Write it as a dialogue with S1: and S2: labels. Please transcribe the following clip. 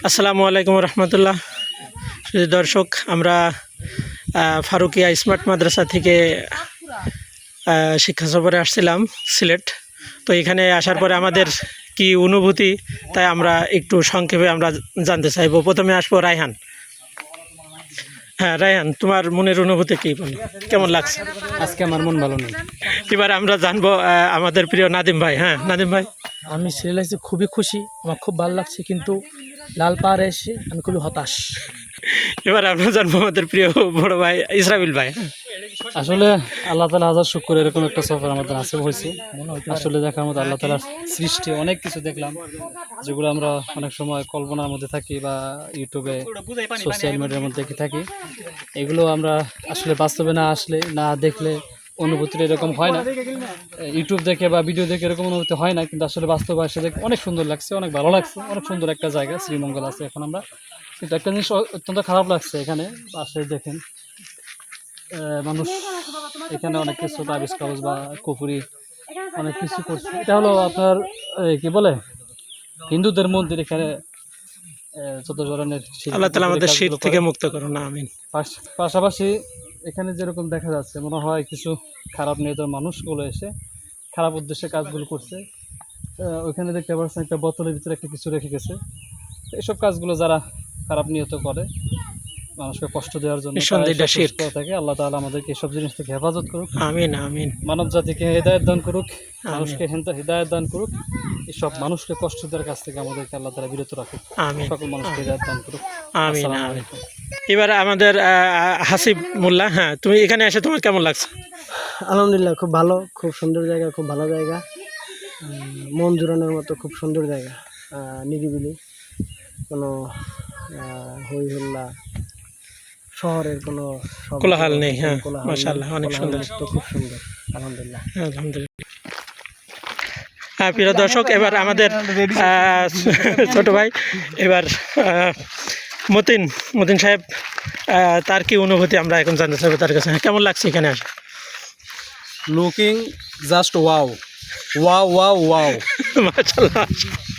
S1: আসসালামু আলাইকুম রহমতুল্লাহ। দর্শক, আমরা ফারুকিয়া স্মার্ট মাদ্রাসা থেকে শিক্ষা সফরে আসছিলাম সিলেট। তো এখানে আসার পরে আমাদের কি অনুভূতি, তাই আমরা একটু সংক্ষেপে আমরা জানতে চাইবো। প্রথমে আসবো রায়হান। হ্যাঁ রায়হান, তোমার মনের অনুভূতি কী, কেমন লাগছে?
S2: আজকে আমার মন ভালো নেই।
S1: এবার আমরা জানবো আমাদের প্রিয় নাদিম ভাই। হ্যাঁ নাদিম ভাই।
S3: আমি সিলেটে এসে খুবই খুশি, আমার খুব ভালো লাগছে, কিন্তু লাল পাহাড়ে এসে আমি খুবই হতাশ।
S1: এবার আমরা জানবো আমাদের প্রিয় বড় ভাই ইসরাবিল ভাই।
S2: আসলে আল্লাহ তালা হাজার শুক্র, এরকম একটা সফর আমাদের আসে হয়েছে। আসলে দেখার মতো আল্লাহ তালার সৃষ্টি অনেক কিছু দেখলাম, যেগুলো আমরা অনেক সময় কল্পনার মধ্যে থাকি বা ইউটিউবে সোশ্যাল মিডিয়ার মধ্যে দেখে থাকি। এগুলো আমরা আসলে বাস্তবে না আসলে, না দেখলে অনুভূতিটা এরকম হয় না। ইউটিউব দেখে বা ভিডিও দেখে এরকম অনুভূতি হয় না, কিন্তু আসলে বাস্তবে আসে দেখে অনেক সুন্দর লাগছে, অনেক ভালো লাগছে। অনেক সুন্দর একটা জায়গা শ্রীমঙ্গল আছে এখন আমরা, কিন্তু একটা জিনিস অত্যন্ত খারাপ লাগছে এখানে আসলে দেখেন মানুষ এখানে অনেক কিছু তাবিজ কাগজ বা কুফুরি অনেক কিছু করছে। এটা হলো আপনার কি বলে হিন্দুদের মন্দির। এখানে যত ধরনের
S1: আল্লাহ তাআলা আমাদের শীত থেকে মুক্ত করুন, আমিন।
S2: পাশাপাশি এখানে যেরকম দেখা যাচ্ছে, মনে হয় কিছু খারাপ নিয়তের মানুষগুলো এসে খারাপ উদ্দেশ্যে কাজগুলো করছে। ওইখানে দেখতে পাচ্ছেন একটা বোতলের ভিতরে একটা কিছু রেখে গেছে। এইসব কাজগুলো যারা খারাপ নিয়ত করে মানুষকে কষ্ট দেওয়ার জন্য থাকে, আল্লাহ তাআলা আমাদেরকে এসব জিনিস থেকে হেফাজত করুক,
S1: আমিন আমিন।
S2: মানব জাতিকে হেদায়েত দান করুক, মানুষকে হেদায়েত দান করুক। এসব মানুষকে কষ্ট দেওয়ার কাছ থেকে আমাদেরকে আল্লাহ তাআলা বিরত রাখুক, সকল মানুষকে হেদায়েত দান করুক,
S1: আমিন আমিন। এবার আমাদের হাসিব মোল্লা। হ্যাঁ, তুমি এখানে এসে তোমার কেমন লাগছে?
S3: আলহামদুলিল্লাহ, খুব ভালো, খুব সুন্দর জায়গা, খুব ভালো জায়গা, মন জুড়ানোর মতো খুব সুন্দর জায়গা, নিরিবিলি, কোনো হই হল্লা শহরের কোনো
S1: কোলাহল নেই। হ্যাঁ মাশাআল্লাহ, অনেক সুন্দর,
S3: খুব সুন্দর, আলহামদুলিল্লাহ
S1: আলহামদুলিল্লাহ। হ্যাঁ প্রিয় দর্শক, এবার আমাদের ছোট ভাই এবার মতিন সাহেব, তার কি অনুভূতি আমরা এখন জানতে চাইবো তার কাছে। কেমন লাগছে এখানে আসে?
S2: Looking just wow wow wow wow
S1: মাশাআল্লাহ।